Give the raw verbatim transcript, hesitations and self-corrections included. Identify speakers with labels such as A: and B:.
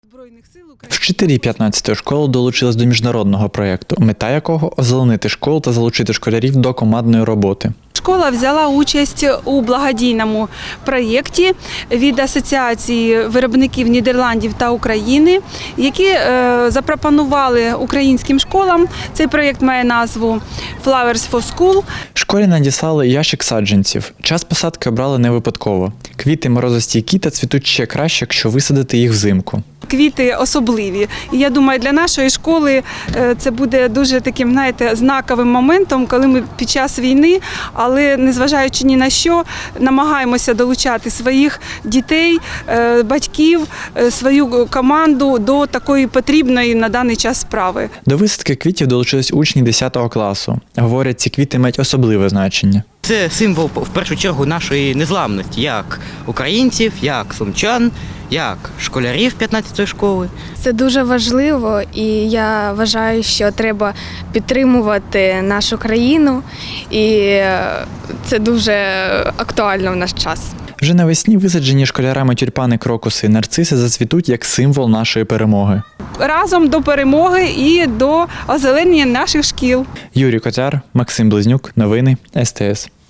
A: Збройних сил України.
B: Вчителі п'ятнадцятої школи долучились до міжнародного проєкту, мета якого – озеленити школу та залучити школярів до командної роботи.
A: Школа взяла участь у благодійному проєкті від Асоціації виробників Нідерландів та України, які е, запропонували українським школам. Цей проєкт має назву «Flowers for School».
B: Школі надіслали ящик саджанців. Час посадки обрали не випадково. Квіти морозостійкі та цвітуть ще краще, якщо висадити їх взимку.
A: Квіти особливі. І я думаю, для нашої школи це буде дуже таким, знаєте, знаковим моментом, коли ми під час війни, але незважаючи ні на що, намагаємося долучати своїх дітей, батьків, свою команду до такої потрібної на даний час справи.
B: До висадки квітів долучились учні десятого класу. Говорять, ці квіти мають особливе значення.
C: Це символ, в першу чергу, нашої незламності, як українців, як сумчан, як школярів п'ятнадцятої школи.
D: Це дуже важливо, і я вважаю, що треба підтримувати нашу країну, і це дуже актуально в наш час.
B: Вже навесні висаджені школярами тюльпани, крокуси і нарциси зацвітуть як символ нашої перемоги.
A: Разом до перемоги і до озеленення наших шкіл.
B: Юрій Котяр, Максим Близнюк. Новини ес те ес.